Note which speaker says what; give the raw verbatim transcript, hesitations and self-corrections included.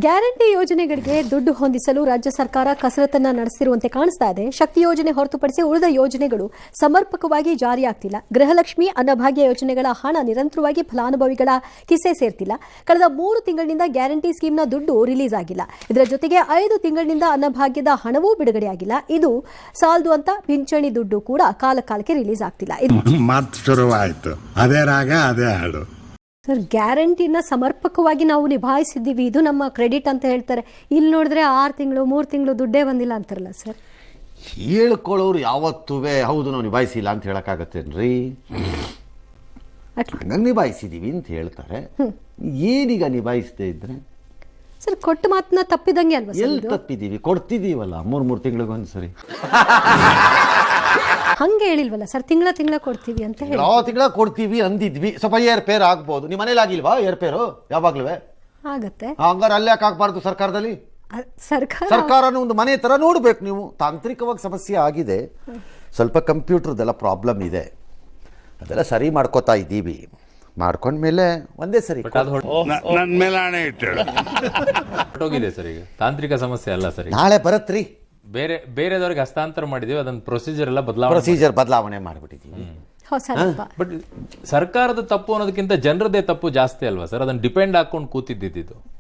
Speaker 1: Guarantee ಯೋಜನೆಗಳಿಗೆ ದುಡ್ಡು ಹೊಂದಿಸಲು ರಾಜ್ಯ ಸರ್ಕಾರ ಕಸರತ್ತನ್ನ ನಡೆಸಿರುವಂತೆ ಕಾಣಿಸ್ತಾ ಇದೆ. ಶಕ್ತಿ ಯೋಜನೆ ಹೊರತುಪಡಿಸಿ ಉಳಿದ ಯೋಜನೆಗಳು ಸಮರ್ಪಕವಾಗಿ ಜಾರಿಯಾಗ್ತಿಲ್ಲ. ಗೃಹಲಕ್ಷ್ಮಿ, ಅನ್ನಭಾಗ್ಯ ಯೋಜನೆಗಳ ಹಣ ನಿರಂತರವಾಗಿ ಫಲಾನುಭವಿಗಳ ಕಿಸೆ ಸೇರ್ತಿಲ್ಲ. ಕಳೆದ ಮೂರು ತಿಂಗಳಿನಿಂದ ಗ್ಯಾರಂಟಿ ಸ್ಕೀಮ್ನ ದುಡ್ಡು ರಿಲೀಸ್ ಆಗಿಲ್ಲ. ಇದರ ಜೊತೆಗೆ ಐದು ತಿಂಗಳಿನಿಂದ ಅನ್ನಭಾಗ್ಯದ ಹಣವೂ ಬಿಡುಗಡೆಯಾಗಿಲ್ಲ. ಇದು ಸಾಲದು ಅಂತ ಪಿಂಚಣಿ ದುಡ್ಡು ಕೂಡ ಕಾಲ ಕಾಲಕ್ಕೆ ರಿಲೀಸ್ ಆಗ್ತಿಲ್ಲ.
Speaker 2: ಮಾತು ಶುರುವಾಯಿತು, ಅದೇ ರಾಗ ಅದೇ ಹಾಡು.
Speaker 1: ಸರ್, ಗ್ಯಾರಂಟಿನ ಸಮರ್ಪಕವಾಗಿ ನಾವು ನಿಭಾಯಿಸಿದ್ದೀವಿ, ಇದು ನಮ್ಮ ಕ್ರೆಡಿಟ್ ಅಂತ ಹೇಳ್ತಾರೆ. ಇಲ್ಲಿ ನೋಡಿದ್ರೆ ಆರು ತಿಂಗಳು ಮೂರು ತಿಂಗಳು ದುಡ್ಡೇ ಬಂದಿಲ್ಲ ಅಂತಾರಲ್ಲ ಸರ್.
Speaker 3: ಹೇಳ್ಕೊಳ್ಳೋರು ಯಾವತ್ತೂ ಹೌದು ನಾವು ನಿಭಾಯಿಸಿಲ್ಲ ಅಂತ ಹೇಳಕ್ಕಾಗತ್ತೇನ್ರಿ? ಹಂಗಂಗೆ ನಿಭಾಯಿಸಿದೀವಿ ಅಂತ ಹೇಳ್ತಾರೆ. ಏನೀಗ ನಿಭಾಯಿಸದೇ ಇದ್ರೆ
Speaker 1: ಸರ್, ಕೊಟ್ಟ ಮಾತನ್ನ ತಪ್ಪಿದಂಗೆ ಅಲ್ವಾ?
Speaker 3: ಎಲ್ಲಿ ತಪ್ಪಿದೀವಿ? ಕೊಡ್ತಿದೀವಲ್ಲ ಮೂರ್ ಮೂರು ತಿಂಗಳಿಗೊಂದ್ಸರಿ.
Speaker 1: ಹಂಗೆ ಹೇಳಿಲ್ವಲ್ಲ ಸರ್, ತಿಂಗಳ ತಿಂಗಳ ಕೊಡ್ತೀವಿ ಅಂತ ಹೇಳಿ.
Speaker 3: ಯಾವ ತಿಂಗಳ ಕೊಡ್ತೀವಿ ಅಂದಿದ್ವಿ. ಸ್ವಲ್ಪ ಏರ್ಪೇರ್ ಆಗ್ಬೋದು. ನಿಮ್ಮ ಮನೇಲಿ ಆಗಿಲ್ವಾ ಏರ್ಪೇರು? ಯಾವಾಗ್ಲೂ
Speaker 1: ಆಗತ್ತೆ.
Speaker 3: ಹಂಗಾರೆ ಅಲ್ಲೇ ಯಾಕೆ ಆಗ್ಬಾರ್ದು ಸರ್ಕಾರದಲ್ಲಿ?
Speaker 1: ಸರ್ಕಾರ
Speaker 3: ಸರ್ಕಾರನ ಒಂದು ಮನೆ ತರ ನೋಡ್ಬೇಕು ನೀವು. ತಾಂತ್ರಿಕವಾಗಿ ಸಮಸ್ಯೆ ಆಗಿದೆ, ಸ್ವಲ್ಪ ಕಂಪ್ಯೂಟರ್ದೆಲ್ಲ ಪ್ರಾಬ್ಲಮ್ ಇದೆ, ಅದೆಲ್ಲ ಸರಿ ಮಾಡ್ಕೋತಾ ಇದ್ದೀವಿ. ಮಾಡ್ಕೊಂಡ್ಮೇಲೆ ಒಂದೇ ಸರಿ
Speaker 2: ನನ್ನ ಮೇಲೆ ಹಣೆ ಇಟ್ಟಳು
Speaker 4: ಹೊರಟೋಗಿದೆ ಸರ್. ಈಗ ತಾಂತ್ರಿಕ ಸಮಸ್ಯೆ ಅಲ್ಲ ಸರ್,
Speaker 3: ನಾಳೆ ಬರತ್ರಿ.
Speaker 4: ಬೇರೆ ಬೇರೆದವ್ರಿಗೆ ಹಸ್ತಾಂತರ ಮಾಡಿದೀವಿ, ಅದನ್ನ ಪ್ರೊಸೀಜರ್ ಎಲ್ಲ ಬದಲಾವಣೆ
Speaker 3: ಪ್ರೊಸೀಜರ್ ಬದಲಾವಣೆ ಮಾಡಿಬಿಟ್ಟಿದ್ದೀವಿ.
Speaker 4: ಬಟ್ ಸರ್ಕಾರದ ತಪ್ಪು ಅನ್ನೋದಕ್ಕಿಂತ ಜನರದೇ ತಪ್ಪು ಜಾಸ್ತಿ ಅಲ್ವಾ ಸರ್? ಅದನ್ನ ಡಿಪೆಂಡ್ ಹಾಕೊಂಡು ಕೂತಿದ್ದಿದ್ದು.